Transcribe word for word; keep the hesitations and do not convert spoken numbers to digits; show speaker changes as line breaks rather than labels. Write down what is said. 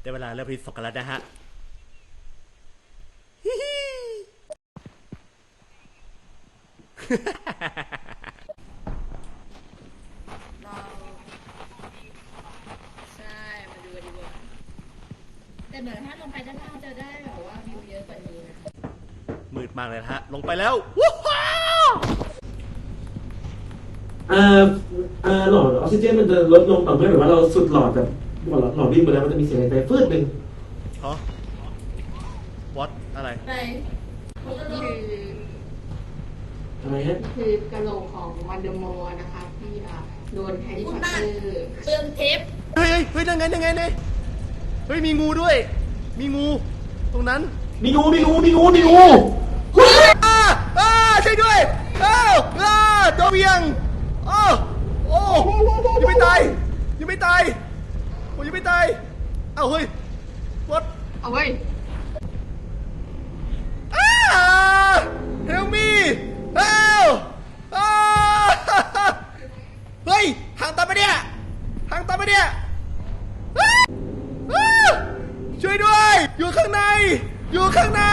ได้เวลาเริ่มที่สองกันแล้วนะฮะ
เราใช่มาดูกันดีกว่าแต่เหมือนถ้าลงไปด้านล่างจะได้แบบว่าวิวเยอะกว่านี้นะ
มืดมากเลยนะฮะลงไปแล้วว้าว
เอ่อเอ่อหลอดออกซิเจนมันจะลดลงต่อเมื่อแบบว่าเราสุดหลอดแบบหลอดหลอดวิ่งไปแล้วมันจะมีเสียงหายใจฟืดหนึ่ง
ฮะ what อะไร
ไปนี่คือ
อะไรฮะ
คือกะโหลกของวันเดอร์มอร์นะคะที่โดนแฮร์รี่พอตเตอร์เติมเทป
เฮ้ยเฮ้ยเฮ้ยนั่งไงนั่งไงเนี่ยเฮ้ยมีงูด้วย มีงูตรงนั้น
มีงูมีงูมีงูมีงู
อ้าอ้าช่วยด้วยอ้าวอ้าตัวเวียงอ้าวโอ้ยังไม่ตายยังไม่ตายโอ้ยังไม่ตายเอ้าเฮ้ย what
เอาไว้
อ้า help me help อ้าเฮ้ยทางตันปะเนี่ยทางตันปะเนี่ยอ้าอ้าช่วยด้วยอยู่ข้างในอยู่ข้างใน